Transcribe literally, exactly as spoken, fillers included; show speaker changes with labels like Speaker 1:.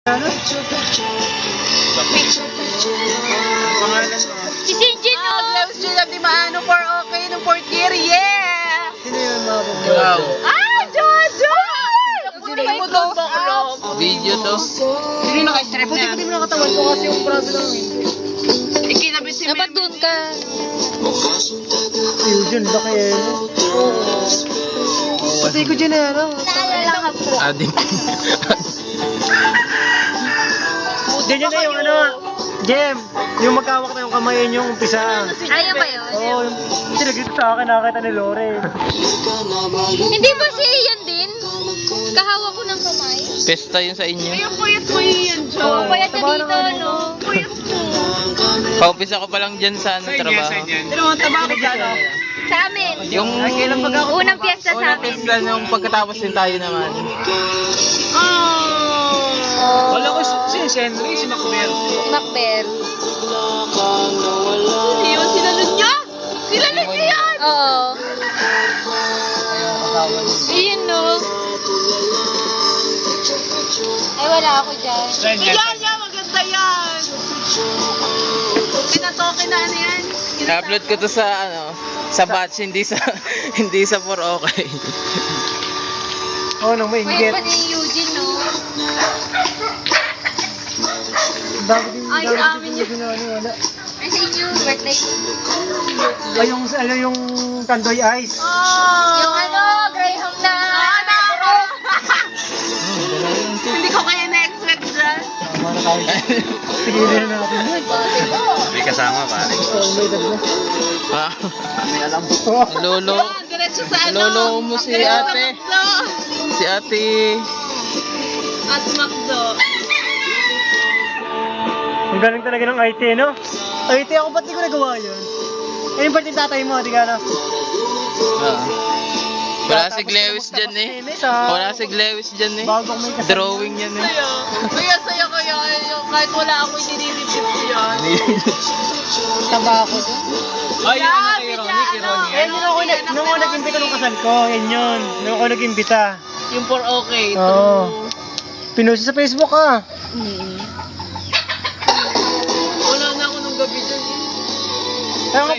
Speaker 1: Ano?
Speaker 2: Si Sinjin, no?
Speaker 3: Gloves Jun of Di Maano for okay ng fourth year, yeah!
Speaker 1: Sino yung mga
Speaker 4: Wow.
Speaker 3: Ah, Jojo! Sino mo doon ba
Speaker 4: Video to.
Speaker 3: Sino yung naka-strap
Speaker 1: Buti
Speaker 3: na?
Speaker 1: ko din mo nakatawan ko kasi yung braso lang.
Speaker 3: Ikinabit si
Speaker 2: Dapat doon ka.
Speaker 1: Ayun dyan, laki eh. Pati ko dyan eh, ano?
Speaker 2: Naalala ka po.
Speaker 4: Ading.
Speaker 1: Dyan yun na yung ano, Jem, yung magkawak na yung kamay yung umpisa.
Speaker 2: Ayaw ba yun?
Speaker 1: Oo, oh, yung sinagit sa akin, nakakita ni Lore.
Speaker 2: Hindi ba si Ian din? Kahawa ko ng kamay.
Speaker 4: Pesta yun sa inyo.
Speaker 3: Ang puyat mo yan, Jo.
Speaker 1: Oo.
Speaker 2: Payat ka
Speaker 1: Taba
Speaker 2: dito,
Speaker 1: naman.
Speaker 2: no?
Speaker 3: Puyat mo.
Speaker 4: Paumpisa ko pa lang dyan sa ano, trabaho.
Speaker 3: Pero ang taba ko dyan, oh.
Speaker 2: Sa amin.
Speaker 4: Yung
Speaker 2: Unang piyesta sa
Speaker 4: unang
Speaker 2: amin.
Speaker 4: pesta nung pagkatapos din tayo naman.
Speaker 3: Oh.
Speaker 1: Wala ko si Henry, si Macbeth.
Speaker 2: Si Macbeth.
Speaker 3: Sino yun? Sinalun niya? Sinalun niya yan!
Speaker 2: Oo. Iyan, no? Ay, wala ako dyan.
Speaker 3: Yan, yan, maganda yan! Pinatoke na ano yan?
Speaker 4: I-upload ko to sa ano, sa batch, hindi sa hindi sa for okay.
Speaker 1: Oo, nang
Speaker 2: Pwede
Speaker 1: mainggit.
Speaker 2: pa ni Eugene, no?
Speaker 1: Dami din,
Speaker 3: Ay,
Speaker 1: dami
Speaker 3: sa
Speaker 1: din
Speaker 3: amin
Speaker 1: yung ginagawa, wala.
Speaker 2: Ay, sa inyo, birthday.
Speaker 1: Ay, yung, ano, yung Tandoy Ice.
Speaker 3: Oh!
Speaker 2: Yung ano, Graham na.
Speaker 3: Ah, na! Hindi ko kaya na-expect dyan.
Speaker 1: Tama na tayo. Tigilin na natin yun.
Speaker 4: May kasama pare.
Speaker 1: Oo, may dagdag.
Speaker 4: Ah,
Speaker 1: May alam ko.
Speaker 4: lolo,
Speaker 3: Ah, diretso sa ano?
Speaker 4: lolo mo si
Speaker 3: Diretso sa
Speaker 4: ate.
Speaker 3: McDo.
Speaker 4: Si ate.
Speaker 3: At McDo.
Speaker 1: Ang galing talaga ng I T, no? I T, ako ba't di ko nagawa yun? Eh, yung ba't yung tatay mo, di ka na?
Speaker 4: Ah. Wala si Glewis dyan eh.
Speaker 1: Sa...
Speaker 4: Wala si Glewis dyan eh.
Speaker 1: Bagong may kasama.
Speaker 4: Drawing yan eh.
Speaker 3: Saya. Kaya saya kaya yung kahit wala ako dinilipip ko yan.
Speaker 2: Taba ako dun.
Speaker 3: Ay, yung ano kay Ronnie, kay Ronnie.
Speaker 1: Eh, nung ako, nag- nung ako nag-imbita nung kasal ko, yan yun. Nung ako nag-imbita.
Speaker 3: Yung for okay.
Speaker 1: Oo. Pinost sa Facebook ah.
Speaker 3: Wala na ako nung gabi dyan.
Speaker 1: Kaya nga